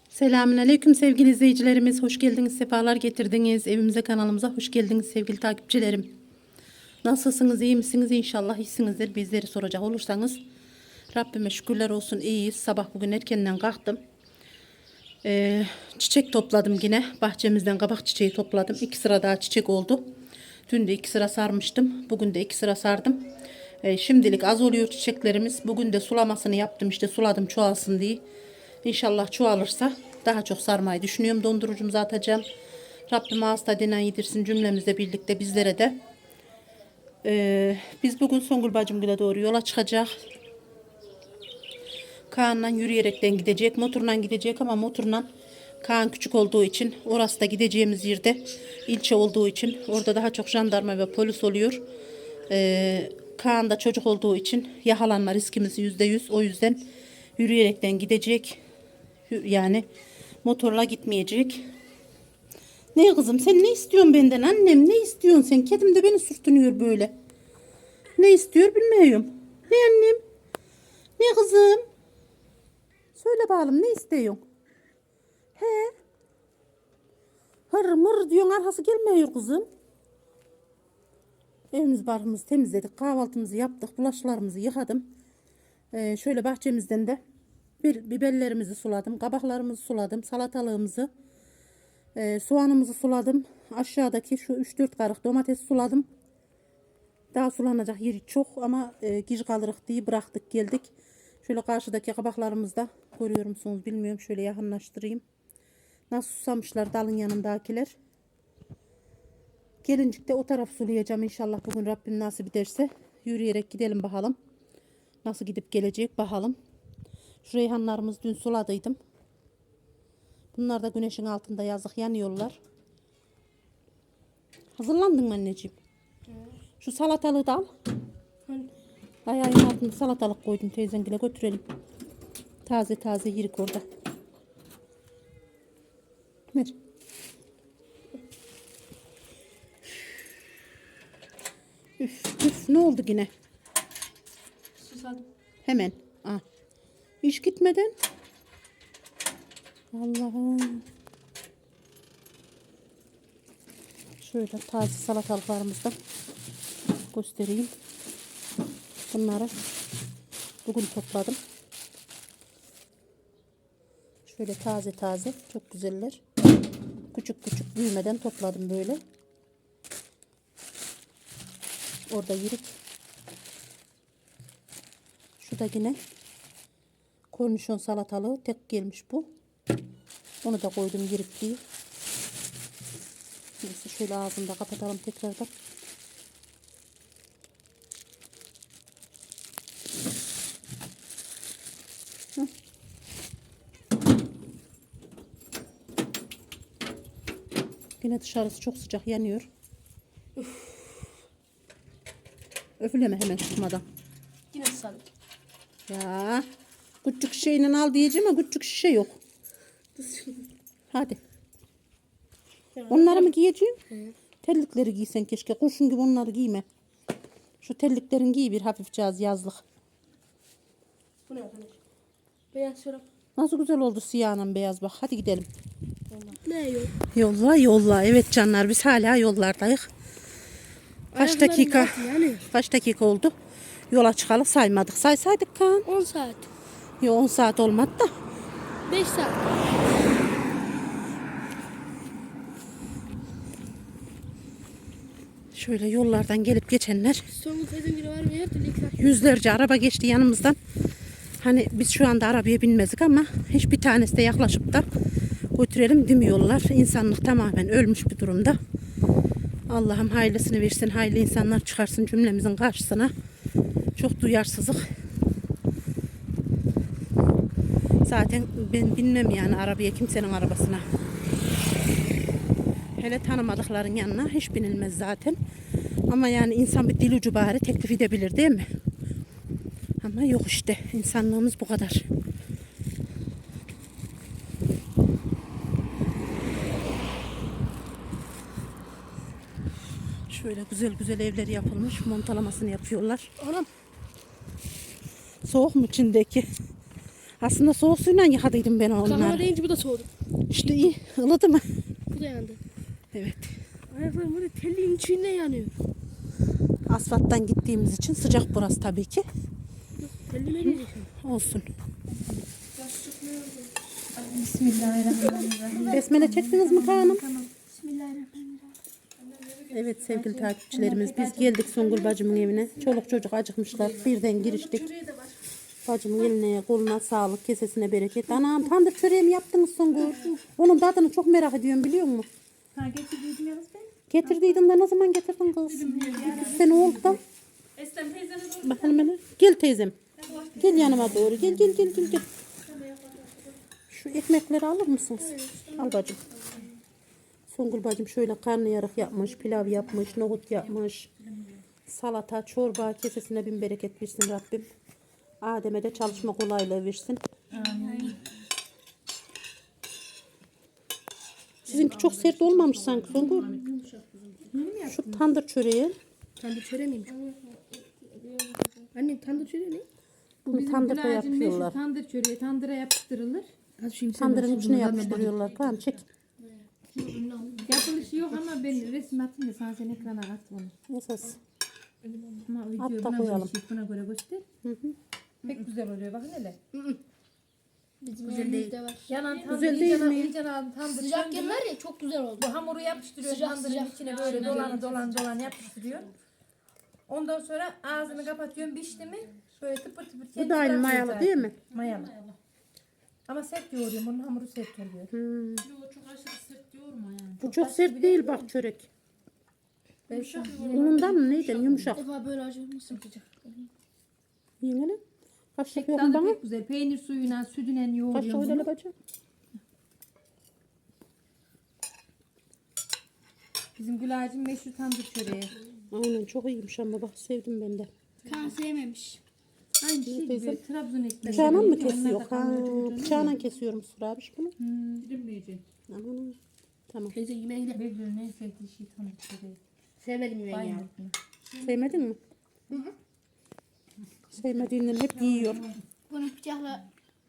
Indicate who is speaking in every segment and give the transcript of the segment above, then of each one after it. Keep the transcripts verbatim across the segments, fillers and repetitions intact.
Speaker 1: Selamünaleyküm sevgili izleyicilerimiz. Hoş geldiniz, sefalar getirdiniz. Evimize, kanalımıza hoş geldiniz sevgili takipçilerim. Nasılsınız, iyi misiniz? İnşallah iyisinizdir. Bizleri soracak olursanız Rabbime şükürler olsun, iyiyiz. Sabah bugün erkenden kalktım. Ee, çiçek topladım yine. Bahçemizden kabak çiçeği topladım. İki sıra daha çiçek oldu. Dün de iki sıra sarmıştım. Bugün de iki sıra sardım. Ee, şimdilik az oluyor çiçeklerimiz. Bugün de sulamasını yaptım, işte suladım çoğalsın diye. İnşallah çoğalırsa daha çok sarmayı düşünüyorum. Dondurucumuza atacağım. Rabbim ağız tadına yedirsin cümlemizle birlikte bizlere de. Ee, biz bugün Songül bacımgile doğru yola çıkacak. Kaan'la yürüyerekten gidecek. Motorla gidecek ama motorla Kaan küçük olduğu için, orası da gideceğimiz yerde ilçe olduğu için orada daha çok jandarma ve polis oluyor. Ee, Kaan da çocuk olduğu için yakalanma riskimiz yüzde yüz. O yüzden yürüyerekten gidecek. Yani motorla gitmeyecek. Ne kızım, sen ne istiyorsun benden annem? Ne istiyorsun sen? Kedim de beni sürtünüyor böyle. Ne istiyor bilmiyorum. Ne annem? Ne kızım? Söyle bakalım, ne istiyorsun? He? Hır mır diyorsun, arkası gelmiyor kızım. Evimiz barkımızı temizledik. Kahvaltımızı yaptık. Bulaşıklarımızı yıkadım. Ee, şöyle bahçemizden de bir biberlerimizi suladım. Kabaklarımızı suladım. Salatalığımızı. E, soğanımızı suladım. Aşağıdaki şu üç dört karık domates suladım. Daha sulanacak yeri çok ama e, giz kalırık diye bıraktık geldik. Şöyle karşıdaki kabaklarımızı da görüyor musunuz bilmiyorum. Şöyle yakınlaştırayım. Nasıl susamışlar dalın yanındakiler. Gelincik de o taraf sulayacağım inşallah bugün Rabbim nasip ederse. Yürüyerek gidelim bakalım. Nasıl gidip gelecek bakalım. Şu reyhanlarımızı dün suladıydım. Bunlar da güneşin altında yazık yanıyorlar. Hazırlandın mı anneciğim? Evet. Şu salatalığı da al. Evet. Ayağın altında salatalık koydum, teyzengile götürelim. Taze taze yirik orada. Ver. Üf, üf, ne oldu yine?
Speaker 2: Susadım.
Speaker 1: Hemen. Ah. İş gitmeden. Allah'ım. Şöyle taze salatalıklarımızı da göstereyim. Bunları bugün topladım. Şöyle taze taze, çok güzeller. Küçük küçük büyümeden topladım böyle. Orada yirik. Şu da yine kornişon salatalığı, tek gelmiş bu. Onu da koydum yirik diye. Neyse şöyle ağzını da kapatalım tekrardan. Hı. Yine dışarısı çok sıcak yanıyor. Üf. Öfleme hemen tutmadan.
Speaker 2: Yine susadım.
Speaker 1: Ya küçük şişeyle al diyeceğim ama küçük şişe yok. Hadi. Onları mı giyeceğim? Hı. Terlikleri giysen keşke. Kurşun gibi onları giyme. Şu terliklerin giy bir hafifçe az yazlık.
Speaker 2: Bu ne arkadaş? Beyaz çorap.
Speaker 1: Nasıl güzel oldu siyahla beyaz bak. Hadi gidelim.
Speaker 2: Ne yok?
Speaker 1: Yolla yolla. Evet canlar, biz hala yollardayız. Kaç dakika?
Speaker 2: Yani.
Speaker 1: Kaç dakika oldu? Yola çıkalı saymadık. Saysaydık Kaan.
Speaker 2: on saat.
Speaker 1: Yo on saat olmadı da.
Speaker 2: beş saat.
Speaker 1: Şöyle yollardan gelip geçenler.
Speaker 2: Son teyzem biri var mı? Her türlü iki saat.
Speaker 1: Yüzlerce araba geçti yanımızdan. Hani biz şu anda arabaya binmezdik ama hiçbir tanesi de yaklaşıp da götürelim demiyorlar. İnsanlık tamamen ölmüş bir durumda. Allah'ım hayırlısını versin, hayırlı insanlar çıkarsın cümlemizin karşısına. Çok duyarsızlık. Zaten ben binmem yani arabaya, kimsenin arabasına. Hele tanımadıkların yanına hiç binilmez zaten. Ama yani insan bir dil ucu bari teklif edebilir değil mi? Ama yok işte, insanlığımız bu kadar. Şöyle güzel güzel evler yapılmış. Montalamasını yapıyorlar.
Speaker 2: Anam.
Speaker 1: Soğuk mu içindeki? Aslında soğuk suyla yıkadıydım ben
Speaker 2: Kahve
Speaker 1: onları.
Speaker 2: deyince bu da soğudu.
Speaker 1: İşte iyi. Ilıdı mı?
Speaker 2: Bu da yandı.
Speaker 1: Evet.
Speaker 2: Ayaklarım böyle telliğin içinde yanıyor.
Speaker 1: Asfalttan gittiğimiz için sıcak burası tabii ki.
Speaker 2: Tellime gelecek.
Speaker 1: Olsun.
Speaker 3: Bismillahirrahmanirrahim.
Speaker 1: Besmele çektiniz mi Kaan'ım?
Speaker 2: Bismillahirrahmanirrahim.
Speaker 1: Evet sevgili takipçilerimiz, biz geldik Songül bacımın evine. Çoluk çocuk acıkmışlar. Birden giriştik. Bacımın eline koluna sağlık, kesesine bereket. Anam tandır çöreği mi yaptınız Songül? Onun tadını çok merak ediyorum biliyor musun?
Speaker 3: Ha getirdiydim yalnız ben.
Speaker 1: Getirdiydin de ne zaman getirdin kız? İki sene oldu da.
Speaker 3: Eslem teyzene doğru.
Speaker 1: Bakalım hele. Gel teyzem. Gel yanıma doğru. Gel gel gel gel. gel. Şu ekmekleri alır mısınız? Al bacım. Songül bacım şöyle karnıyarık yapmış, pilav yapmış, nohut yapmış. Salata, çorba, kesesine bin bereket versin Rabbim. Adem'e de çalışma kolaylığı versin. Sizinki çok sert olmamış sanki Songül. Şu tandır çöreği.
Speaker 2: Tandır çöreği miymiş? Annem tandır çöreği ne?
Speaker 1: Bunu tandırda yapıyorlar.
Speaker 3: Tandır çöreği tandıra yapıştırılır.
Speaker 2: Az şimdi
Speaker 1: Tandırın içine yapıştırıyorlar. Tamam çek.
Speaker 3: Yapılışı yok ama ben resim atayım da sana sen ekrana at onu.
Speaker 1: Esas.
Speaker 3: Ama
Speaker 1: At
Speaker 3: videoyu
Speaker 1: da
Speaker 3: buna
Speaker 1: koyalım.
Speaker 3: göre, şey, buna göre göster. Pek güzel oluyor bakın hele.
Speaker 2: Bizim evimizde var.
Speaker 3: Yanan tandır
Speaker 1: Güzel değil
Speaker 3: iyice,
Speaker 1: mi?
Speaker 3: iyice aldım tandır.
Speaker 2: Sıcak yerler ya çok güzel oldu.
Speaker 3: Bu hamuru yapıştırıyor
Speaker 2: Sıcak,
Speaker 3: tandırın
Speaker 2: sıcak.
Speaker 3: içine böyle dolan dolan dolan yapıştırıyor. Ondan sonra ağzını kapatıyorum pişti mi böyle tıpır tıpır
Speaker 1: Bu
Speaker 3: kendi
Speaker 1: da aynı
Speaker 3: bırakıyor
Speaker 1: mayalı
Speaker 3: zaten.
Speaker 1: değil mi?
Speaker 3: Mayalı. Ama sert yoğuruyorum onun hamuru sert oluyor.
Speaker 1: Hmm.
Speaker 4: Çok aşırı sert yoğurma yani.
Speaker 1: Bu çok sert değil bak çörek.
Speaker 3: Ben şu
Speaker 1: Unundan mı neyden
Speaker 2: Bir
Speaker 1: yumuşak.
Speaker 2: defa böyle acımasın sıcak.
Speaker 1: Yiyin hele. Kaşık yok
Speaker 3: tadı
Speaker 1: bana.
Speaker 3: pek güzel. Peynir suyuyla sütüyle
Speaker 1: Kaşık
Speaker 3: yoğuruyorum
Speaker 1: öyle
Speaker 3: bunu.
Speaker 1: bacım.
Speaker 3: Bizim Gülay'cığım meşhur tandır çöreği.
Speaker 1: Aynen çok iyiymiş ama bak sevdim ben de.
Speaker 2: Kan sevmemiş.
Speaker 3: Aynı şey
Speaker 1: teyze?
Speaker 3: gibi Trabzon ekmeği.
Speaker 1: Bıçağına mı
Speaker 3: Onlar da
Speaker 1: kesiyor? Ha,
Speaker 3: kalın
Speaker 1: bıçağına kesiyorum Sıra abi bunu.
Speaker 4: Dilimleyecek.
Speaker 1: Aman. Tamam.
Speaker 2: Teyze yemeğe gidelim.
Speaker 3: Birbirinin en sevdiği şey tandır çöreği.
Speaker 2: Sevmedim yemeği ya.
Speaker 3: Bayılırım.
Speaker 1: Sevmedin mi? Sevmediğinden hep yiyor.
Speaker 2: Bunu bıçakla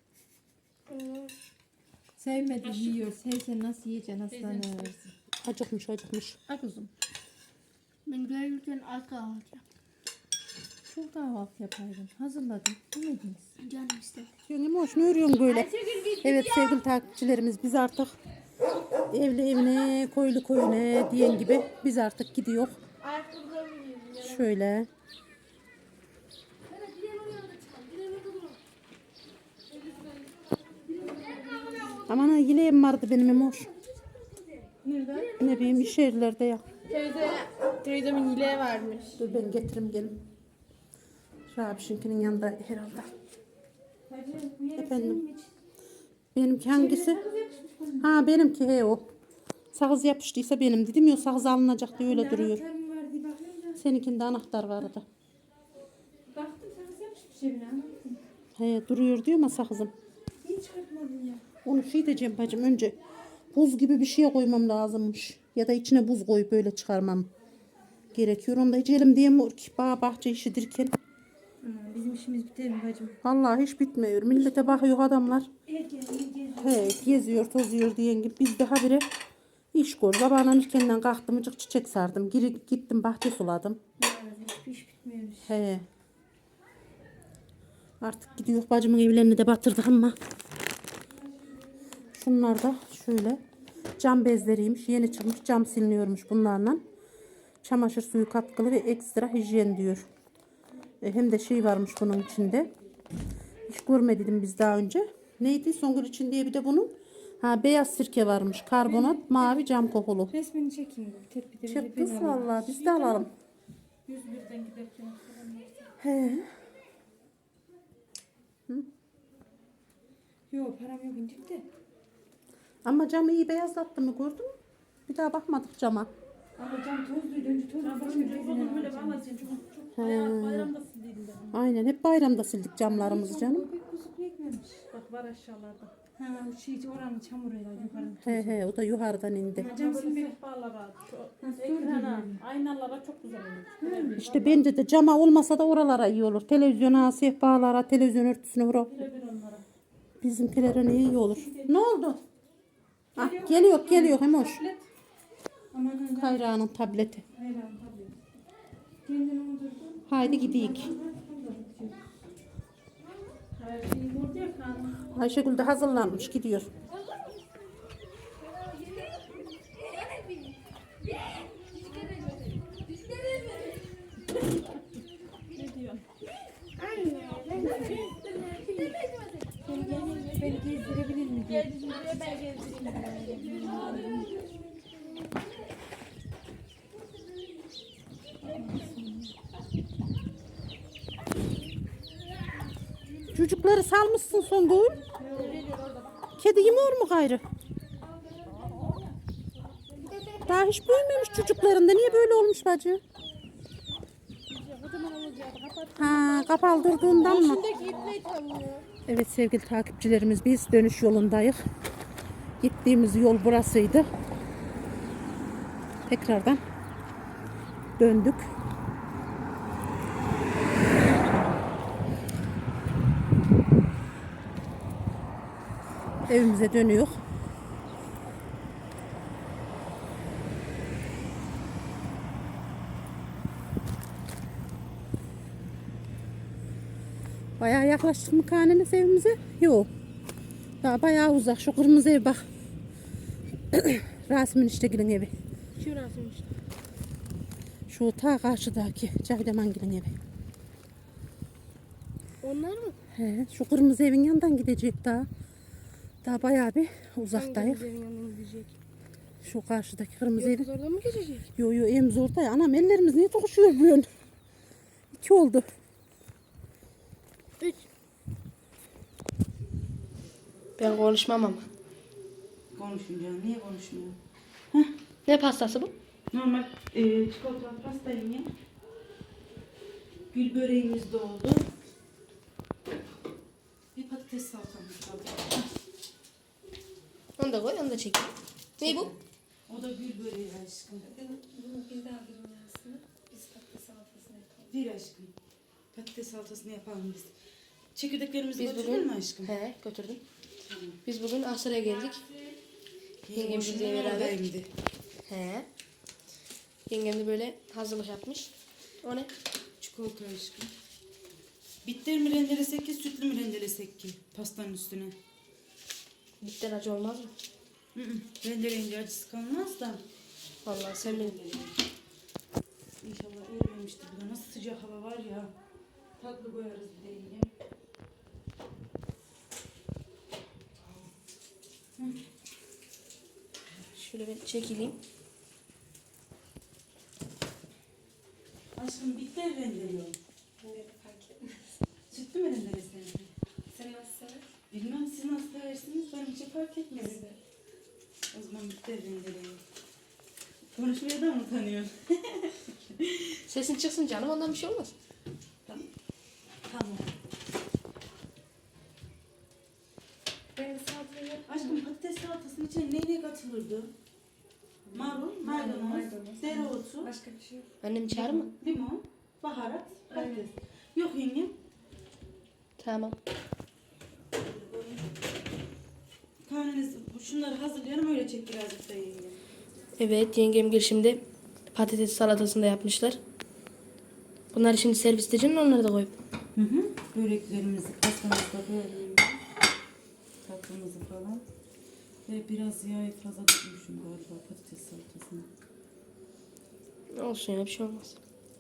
Speaker 3: Sevmedi yiyor. Sevsen nasıl yiyeceksin aslanım.
Speaker 1: Acıkmış acıkmış.
Speaker 3: Ha kuzum.
Speaker 2: ben güzel yürürken az kahvaltı yap.
Speaker 3: Çok kahvaltı yapaydın. Hazırladım. Yemediniz.
Speaker 2: Canım istedi.
Speaker 1: Yengem hoş ne örüyorsun böyle? Evet sevgili takipçilerimiz biz artık evli evine koylu koyuna diyen gibi biz artık gidiyor. Şöyle. Aman ha yileğim vardı benim emoş.
Speaker 3: Nerede?
Speaker 1: Ne bileyim iş yerlerde ya.
Speaker 3: Teyze, teyzemin yileği varmış.
Speaker 1: Dur ben getireyim gelin. Rabişinkinin yanında herhalde. Efendim. Benimki hangisi? Ha benimki he o. Sakız yapıştıysa benim dedim ya sakız alınacak diye öyle duruyor. Seninkinde anahtar vardı.
Speaker 3: Baktım sakız yapışmış evine ama.
Speaker 1: He duruyor diyor ama sakızım.
Speaker 3: Hiç çıkartmadın ya.
Speaker 1: Onu şey diyeceğim bacım önce buz gibi bir şeye koymam lazımmış. Ya da içine buz koyup böyle çıkarmam gerekiyor. Onu da hiç elim diyemiyor ki bağ bahçe işidirken.
Speaker 3: Bizim işimiz biter mi bacım?
Speaker 1: Vallahi hiç bitmiyor. Millete bakıyor adamlar. He, geziyor tozuyor diyen gibi. Biz daha biri iş gör. Sabahından erkenden kalktım ıcık çiçek sardım. Geri gittim bahçe suladım.
Speaker 3: Hiçbir iş bitmiyor.
Speaker 1: He. Artık gidiyor bacımın evlerini de batırdık ama. Şunlar da şöyle cam bezleriymiş. Yeni çıkmış cam siliniyormuş bunlarla. Çamaşır suyu katkılı ve ekstra hijyen diyor. E, hem de şey varmış bunun içinde. Hiç görmedim biz daha önce. Neydi Songül için diye bir de bunun. Ha beyaz sirke varmış. Karbonat, mavi cam kokulu.
Speaker 3: Resmini çekeyim. Tepkide
Speaker 1: Çek kız vallahi biz de alalım.
Speaker 3: yüz birden giderken.
Speaker 1: He.
Speaker 3: Yok param yok incik de.
Speaker 1: Ama camı iyi beyazlattı mı gördün mü? Bir daha bakmadık cama.
Speaker 3: Ama cam tozluydu. Önce tozlu başka bir bezine böyle bağlasın. Çok bayramda sildiydim ben.
Speaker 1: Aynen hep bayramda sildik camlarımızı canım.
Speaker 3: Pek kuzu pekmemiş. Bak var aşağılarda. Ha şey oranın çamuruyla yukarı.
Speaker 1: He he o da yukarıdan indi.
Speaker 3: Cam silmek sehpalara, şu ekrana, aynalara çok güzel olur.
Speaker 1: İşte bence de cama olmasa da oralara iyi olur. Televizyona, sehpalara, televizyon örtüsüne vura.
Speaker 3: Birebir onlara.
Speaker 1: Bizimkilere iyi olur. Ne oldu? Ah, geliyor geliyor hem hoş.
Speaker 3: Aman
Speaker 1: Kayra'nın tableti.
Speaker 3: hayran tabii. Kendini unutursun.
Speaker 1: Haydi gidiyik.
Speaker 3: Her şeyi burada ya kanun.
Speaker 1: Ayşegül de hazırlanmış gidiyor.
Speaker 3: Beni gezdirebilir mi diye.
Speaker 1: Çocukları salmışsın Songül. Kedi yemiyor mu gayrı? Daha hiç büyümemiş çocuklarında. Niye böyle olmuş bacı? Ha, kapaldırdığından mı? Evet sevgili takipçilerimiz, biz dönüş yolundayız. Gittiğimiz yol burasıydı. Tekrardan döndük. Evimize dönüyor. Bayağı yaklaştık mı kaneniz evimize? Yok. Daha bayağı uzak. Şu kırmızı ev bak. Rasim'in işte gülün evi.
Speaker 2: Şurası işte.
Speaker 1: Şu ta karşıdaki Cahidemangil'in evi.
Speaker 2: Onlar mı?
Speaker 1: He, şu kırmızı evin yanından gidecek daha. Daha bayağı bir uzaktayız.
Speaker 2: Hangi yanına gidecek?
Speaker 1: Şu karşıdaki kırmızı evi.
Speaker 2: Kız orada mı geçecek?
Speaker 1: Yo yo evimiz orada ya. Anam ellerimiz niye tokuşuyor bu yön? İki oldu.
Speaker 2: Üç. Ben konuşmam ama.
Speaker 5: Konuşun canım. Niye konuşmuyor?
Speaker 2: Ne pastası bu?
Speaker 5: Normal e, çikolatalı pastayım ya. Gül böreğimiz de oldu. Bir patates salatamız kaldı.
Speaker 2: Onu da koy, onu da çek. Ne bu?
Speaker 5: O da gül böreği aşkım.
Speaker 3: Bunu bir daha bir aslında. Biz patates salatasını yapalım.
Speaker 5: Bir aşkım. Patates salatasını yapalım biz. Çekirdeklerimizi
Speaker 2: Biz
Speaker 5: götürdün
Speaker 2: bugün-
Speaker 5: mü aşkım?
Speaker 2: He, götürdüm.
Speaker 5: Tamam.
Speaker 2: Biz bugün Aksaray'a geldik. Yengem
Speaker 5: Boşuna
Speaker 2: bizle beraber.
Speaker 5: oradaydı.
Speaker 2: He. Yengem de böyle hazırlık yapmış. O ne?
Speaker 5: Çikolata aşkım. Bitter mi rendelesek ki, sütlü mü rendelesek ki pastanın üstüne?
Speaker 2: Bitten acı olmaz mı?
Speaker 5: Hı hı. Rendeleyince acısı kalmaz da.
Speaker 2: Vallahi sen benim.
Speaker 5: İnşallah erimemiştir. Burada nasıl sıcak hava var ya. Tatlı koyarız bir de yine.
Speaker 2: Şöyle ben çekileyim.
Speaker 5: Aşkım bitter rendeliyor. Sütlü mü rendelesene?
Speaker 3: Sen nasıl sever?
Speaker 5: Bilmem siz nasıl seversiniz, benim için fark etmez. O zaman bitter rendeliyor. Konuşmaya da mı utanıyorsun?
Speaker 2: Sesin çıksın canım, ondan bir şey olmaz.
Speaker 5: Tamam.
Speaker 3: Ben salatayı
Speaker 5: Aşkım patates salatasının içine ne ne katılırdı? Marul, maydanoz,
Speaker 3: maydanoz.
Speaker 5: dereotu,
Speaker 3: başka bir şey yok.
Speaker 2: Annem çağır mı?
Speaker 5: limon, baharat, patates. Yok yengem.
Speaker 2: Tamam.
Speaker 5: Karnınız şunları hazırlayalım, öyle çek birazcık da yengem.
Speaker 2: Evet, yengem gir şimdi patates salatasını da yapmışlar. Bunları şimdi servis edeceğim, onları da koyup.
Speaker 5: Hı hı. Böreklerimizi, pastamızı da böyle tatlımızı falan. Ve biraz yağı fazla tutmuşum galiba patates salatasına.
Speaker 2: Olsun ya, bir şey olmaz.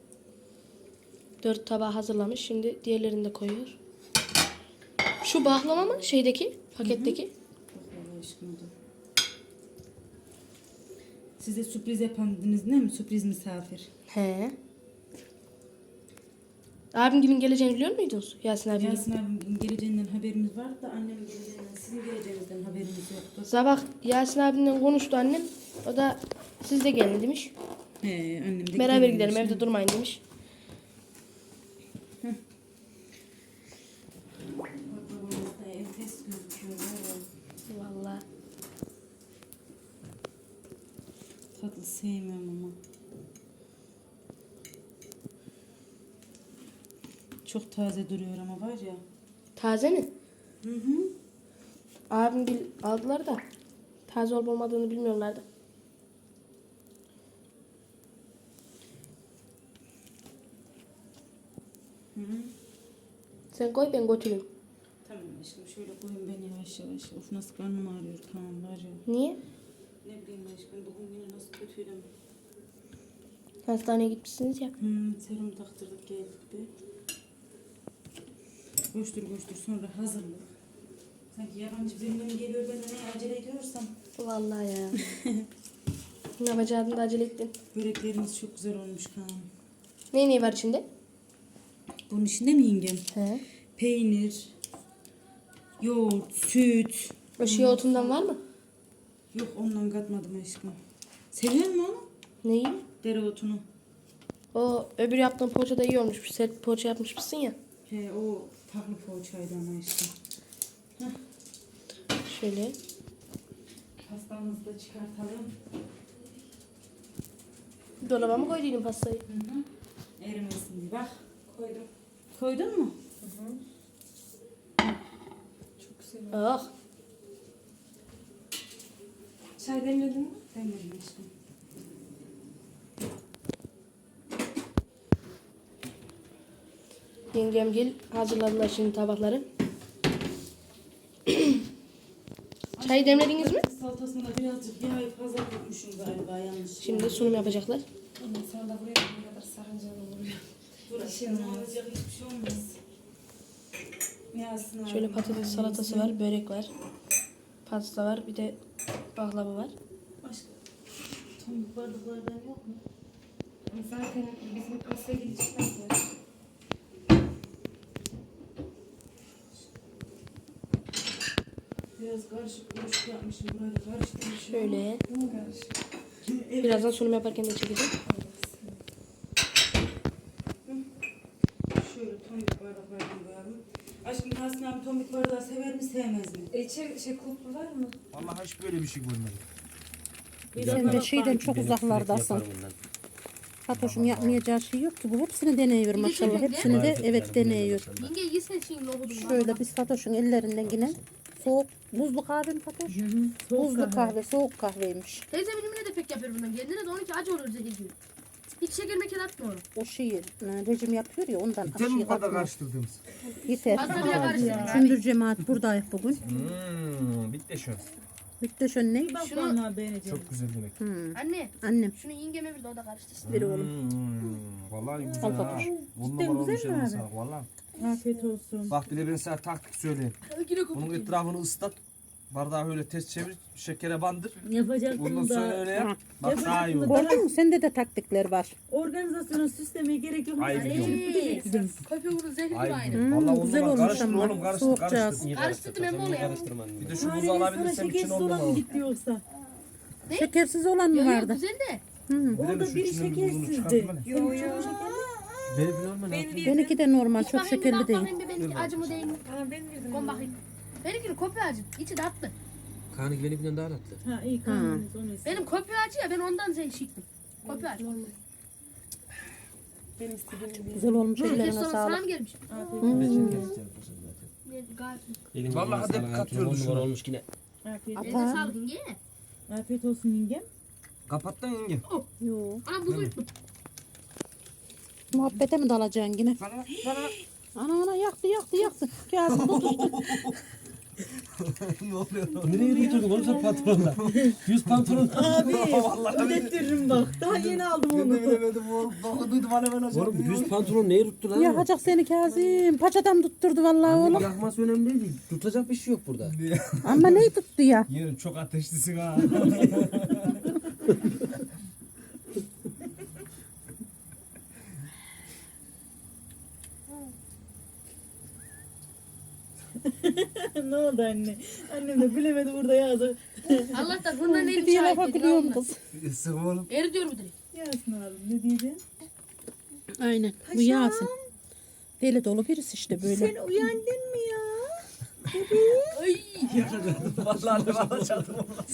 Speaker 2: Dört tabağı hazırlamış, şimdi diğerlerini de koyuyor. Şu baklava mı? Şeydeki, paketteki.
Speaker 5: Bak Allah aşkına da. Size sürpriz yapan dediniz değil mi? Sürpriz misafir.
Speaker 2: He. Abim günün geleceğini biliyor muydunuz? Yasin abi.
Speaker 5: Yasin abimin geleceğinden haberimiz vardı da annemin geleceğinden, sizin geleceğinizden haberimiz yoktu.
Speaker 2: Sabah Yasin abimle konuştu annem. O da siz de gelin demiş.
Speaker 5: He, annem de
Speaker 2: Beraber
Speaker 5: gelmemiş.
Speaker 2: gidelim, evde durmayın demiş.
Speaker 5: Baklavamız da enfes gözüküyor. Evet.
Speaker 2: Vallahi.
Speaker 5: Tatlı sevmiyorum ama. Çok taze duruyor ama var ya.
Speaker 2: Taze mi?
Speaker 5: Hı hı.
Speaker 2: Abim bil aldılar da taze olup olmadığını bilmiyorlardı.
Speaker 5: Hı hı.
Speaker 2: Sen koy ben götüreyim.
Speaker 5: Tamam aşkım şöyle koyun ben yavaş yavaş. Of nasıl karnım ağrıyor tamam var ya.
Speaker 2: Niye?
Speaker 5: Ne bileyim aşkım bugün yine nasıl kötüydüm.
Speaker 2: Hastaneye gitmişsiniz ya.
Speaker 5: Hmm, serum taktırdık geldik bir. Koştur koştur sonra hazırlık. Sanki yabancı birinden geliyor ben de ne acele ediyorsam.
Speaker 2: Vallahi ya. Ne yapacaktın da acele ettin.
Speaker 5: Böreklerimiz çok güzel olmuş Kaan.
Speaker 2: Ne ne var içinde?
Speaker 5: Bunun içinde mi yengem?
Speaker 2: He.
Speaker 5: Peynir, yoğurt, süt.
Speaker 2: O şey otundan var mı?
Speaker 5: Yok ondan katmadım aşkım. Seviyor musun onu?
Speaker 2: Neyi?
Speaker 5: Dereotunu.
Speaker 2: O öbür yaptığın poğaçada iyi olmuş. Bir sert poğaça yapmışsın ya.
Speaker 5: He o farklı poğaçaydı ama işte.
Speaker 2: Şöyle.
Speaker 5: Pastamızı da çıkartalım.
Speaker 2: Dolaba mı koyduydun pastayı?
Speaker 5: Hı hı. Erimesin diye bak koydum. Koydun mu? Hı hı. Çok güzel.
Speaker 2: Ah.
Speaker 3: Çay demledin mi?
Speaker 5: Demledim aşkım.
Speaker 2: Yengem gel hazırladılar şimdi tabakları. Çay demlediniz mi?
Speaker 5: Salatasında birazcık yağ fazla koymuşum galiba yanlış.
Speaker 2: Şimdi sunum yapacaklar.
Speaker 3: Ondan sonra da buraya ne kadar sarıncalı olur.
Speaker 5: Burası olacak hiçbir şey olmaz. Yağsın
Speaker 2: Şöyle
Speaker 5: abi.
Speaker 2: patates salatası var, börek var. Pasta var, bir de baklava var.
Speaker 5: Başka tomik bardaklardan yok mu?
Speaker 3: Zaten bizim pastaya gidecekler sonra.
Speaker 5: Biraz karışık karışık yapmışım. Burayı da karıştırmışım.
Speaker 2: Şöyle.
Speaker 3: Bu karışık.
Speaker 5: Evet.
Speaker 2: Birazdan sunum yaparken de çekeceğim.
Speaker 5: Şöyle tomik bardaklardan koyalım. Aşkım Tahsin abi tomik bardağı sever mi sevmez mi?
Speaker 3: E, içeri şey kulplu var mı?
Speaker 6: Vallahi hiç böyle bir şey görmedim.
Speaker 1: Sen de şeyden çok uzaklardasın. Fatoş'un yapmayacağı şey yok ki. Bu hepsini deneyiyor maşallah. Hepsini de evet deneyiyor.
Speaker 2: Yenge yesin şimdi nohudum.
Speaker 1: Şöyle biz Fatoş'un ellerinden yine soğuk buzlu kahve mi Fatoş? Buzlu kahve, soğuk kahveymiş.
Speaker 7: Teyze benimle de pek yapıyor bundan. Kendine de onunki acı olur zehir gibi. Hiç şeker meker atmıyor.
Speaker 1: O şeyi e, rejim yapıyor ya ondan
Speaker 6: Yeter mi
Speaker 1: aşıyı
Speaker 6: bu kadar
Speaker 1: katmıyor.
Speaker 6: karıştırdığımız?
Speaker 1: Yeter.
Speaker 7: Fazla bile karıştırma.
Speaker 1: Sündür cemaat buradayız bugün.
Speaker 6: Hmm, bitti şu.
Speaker 1: Bitti şön ne?
Speaker 7: Şunu
Speaker 6: Çok güzel yemek.
Speaker 1: Hmm.
Speaker 7: anne
Speaker 1: Annem.
Speaker 7: şunu yengeme bir de o da karıştırsın.
Speaker 1: Ver oğlum.
Speaker 6: Hmm, vallahi güzel
Speaker 1: Al
Speaker 6: ha.
Speaker 1: Fatoş.
Speaker 6: On numara olmuş eline sağlık vallahi.
Speaker 5: Afiyet olsun.
Speaker 6: Bak bir de ben sana taktik söyleyeyim. Bunun etrafını ıslat. Bardağı öyle ters çevir. Şekere bandır.
Speaker 8: Yapacaktım
Speaker 6: Ondan
Speaker 8: da
Speaker 6: sonra öyle yap. Bak daha iyi olur.
Speaker 1: Gördün mü? Sende de taktikler var.
Speaker 8: organizasyonu süslemeye gerek yok.
Speaker 6: Ay biliyorum.
Speaker 7: Köpüğü bunun zehri gibi
Speaker 6: Ay
Speaker 7: aynı.
Speaker 6: biliyorum. Vallahi on
Speaker 1: güzel
Speaker 6: numara
Speaker 1: olmuş
Speaker 6: karıştır
Speaker 1: ama.
Speaker 6: oğlum karıştır
Speaker 1: Soğukcağız.
Speaker 6: karıştır.
Speaker 7: Karıştırdım hem onu ya.
Speaker 6: Bir de şu buzu
Speaker 8: Sadece sana
Speaker 6: alabilirsem için
Speaker 8: şekersiz
Speaker 6: on
Speaker 8: olan
Speaker 6: numara.
Speaker 8: mı gitti yoksa?
Speaker 1: Şekersiz olan mı
Speaker 7: Yok yok
Speaker 1: vardı?
Speaker 7: güzel de.
Speaker 6: Bir de
Speaker 8: Orada
Speaker 6: şu
Speaker 8: biri
Speaker 6: içinden bir buzunu
Speaker 8: şekersizdi.
Speaker 6: çıkartma.
Speaker 3: Yo yo.
Speaker 1: Benimki de normal, çok
Speaker 7: Bakayım
Speaker 1: şekerli
Speaker 7: bak
Speaker 1: değil.
Speaker 7: bakayım bir benimki acı mı değil mi?
Speaker 3: Aa, ben girdim.
Speaker 7: Kon bakayım. Benimkinin köpüğü acı. İçi tatlı.
Speaker 9: Kaan'ınki benimkinden daha tatlı.
Speaker 8: Ha iyi kalmadınız onu istedim.
Speaker 7: Benim köpüğü acı ya ben ondan zehir şıktım. Köpüğü acı.
Speaker 3: Ben istediğim gibi.
Speaker 1: Güzel olmuş,
Speaker 7: Herkes
Speaker 1: ellerine
Speaker 7: sonra sana
Speaker 1: sağlık.
Speaker 7: mı gelmiş?
Speaker 1: Hmm.
Speaker 7: Ne, Gayet.
Speaker 9: Elim
Speaker 6: Vallahi
Speaker 9: yüzüne
Speaker 6: hep
Speaker 9: sağlık,
Speaker 6: katıyordu
Speaker 9: on numara
Speaker 6: şunu.
Speaker 9: olmuş yine.
Speaker 8: Afiyet,
Speaker 1: Ata.
Speaker 7: Eline sağlık yenge.
Speaker 8: afiyet olsun yengem.
Speaker 6: Kapattın yenge.
Speaker 1: Yo.
Speaker 7: Ana buzu yuttum.
Speaker 1: Muhabbete mi dalacaksın yine?
Speaker 6: Bana bana.
Speaker 1: Ana ana yaktı yaktı yaktı. Kazım tutuştu.
Speaker 6: Ne oluyor?
Speaker 9: Nereye götürdün oğlum sen patronla? Yüz pantolon.
Speaker 8: Abi ödettiririm bak. Daha yeni aldım
Speaker 6: Ben
Speaker 8: onu.
Speaker 6: de bilemedim oğlum. Dokuduydu bana ben hocam.
Speaker 9: Oğlum yüz pantolon neye tuttu lan?
Speaker 1: Yakacak seni Kazım. Paçadan tutturdu vallahi oğlum.
Speaker 9: Yakması önemli değil. Tutacak bir şey yok burada.
Speaker 1: Ama neyi tuttu ya?
Speaker 6: Yerim çok ateşlisin ha.
Speaker 8: Ne oldu anne? Annem de bilemedi burada yazdı.
Speaker 7: Allah'tan bundan
Speaker 1: Bir
Speaker 7: elim
Speaker 1: diye lafa
Speaker 7: şahit dedi.
Speaker 1: gülüyorum kız.
Speaker 6: Sık oğlum.
Speaker 7: Eri diyor bu direkt.
Speaker 8: Yazsın abi ne diyeceksin?
Speaker 1: Aynen. Bu Yasin. Deli dolu birisi işte böyle.
Speaker 8: Sen uyandın mı ya?
Speaker 7: Ay.
Speaker 6: Vallahi ne alacaktım olmaz.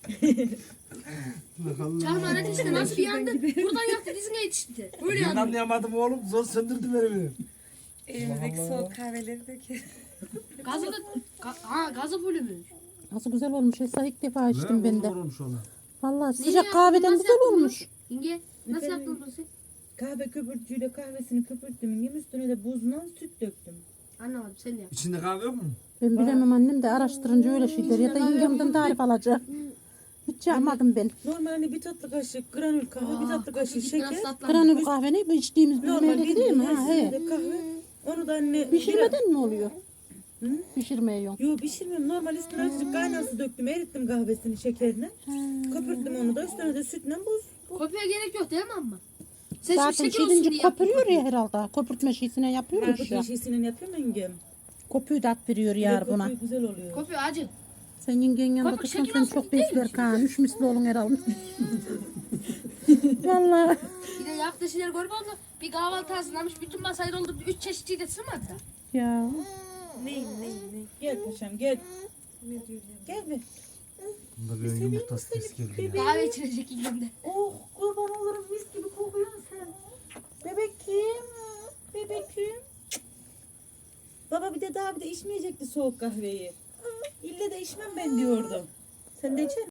Speaker 7: Çalma ne işte nasıl bir yandı. Buradan yaktı dizine yetişti. Böyle
Speaker 6: Ben
Speaker 7: yandı.
Speaker 6: anlayamadım oğlum. Zor söndürdü beni benim.
Speaker 3: Elimizdeki soğuk kahveleri döküyor.
Speaker 7: Gazı da ga, ha gazı fullümüş.
Speaker 1: Nasıl güzel olmuş. Esra ilk defa içtim ben de.
Speaker 6: Olmuş ona.
Speaker 1: Vallahi
Speaker 7: Niye
Speaker 1: sıcak
Speaker 7: yaptın?
Speaker 1: kahveden
Speaker 7: Nasıl
Speaker 1: güzel
Speaker 7: yaptın bunu?
Speaker 1: olmuş.
Speaker 7: Yenge nasıl
Speaker 8: Efendim?
Speaker 7: yaptın bunu sen?
Speaker 8: Kahve köpürtücüyle kahvesini köpürttüm. Yem üstüne de buzla süt döktüm.
Speaker 7: Anlamadım sen de yap.
Speaker 6: İçinde kahve yok mu?
Speaker 1: Ben bilemem, annem de araştırınca öyle şeyler ya da yengemden tarif alacağım. Hiç yapmadım ben.
Speaker 8: Normal hani bir tatlı kaşık granül kahve, bir tatlı kaşık şeker.
Speaker 7: Biraz tatlı.
Speaker 1: Granül kahve ne? Bu içtiğimiz
Speaker 8: Normal
Speaker 1: bilmem değil mi?
Speaker 8: bildiğin
Speaker 1: Ha,
Speaker 8: her
Speaker 1: he.
Speaker 8: şeyde kahve. Onu da anne
Speaker 1: Pişirmeden mi oluyor?
Speaker 8: Hı?
Speaker 1: Pişirmeye yok.
Speaker 8: Yo pişirmiyorum. Normal üstüne azıcık kaynar su döktüm. Erittim kahvesini şekerine. Köpürttüm onu da. Üstüne de sütle buz.
Speaker 7: Kopya gerek yok değil mi amma? Sen
Speaker 1: Zaten
Speaker 7: şimdi şeker olsun
Speaker 1: şeyince
Speaker 7: diye yaptın.
Speaker 1: köpürüyor ya herhalde. Köpürtme şeysine yapıyormuş
Speaker 8: Köpürtme
Speaker 1: ya.
Speaker 8: şeysiyle yapıyorum yengem.
Speaker 1: Kopuyu da at veriyor yar
Speaker 8: Köpüğü
Speaker 1: buna.
Speaker 8: güzel oluyor.
Speaker 7: Kopya acı.
Speaker 1: Sen yengenin yanında
Speaker 7: Kopuk
Speaker 1: dursan
Speaker 7: şeker
Speaker 1: sen
Speaker 7: olsun
Speaker 1: çok
Speaker 7: değil
Speaker 1: besler Kaan. Üç misli olun herhalde. Vallahi.
Speaker 7: Bir de yaptığı şeyler görme oldu. Bir kahvaltı hazırlamış. Bütün masayı doldu. Üç çeşitçiyi de sığmadı da.
Speaker 1: Ya.
Speaker 8: Gel paşam gel. Gel be.
Speaker 6: Bunda bir yumurtası ses geldi ya.
Speaker 7: Kahve içilecek ilgimde.
Speaker 8: Oh kurban olurum mis gibi kokuyorsun sen. Bebekim. Bebekim. Baba bir de daha bir de içmeyecekti soğuk kahveyi. İlle de içmem ben diyordum. Sen de içer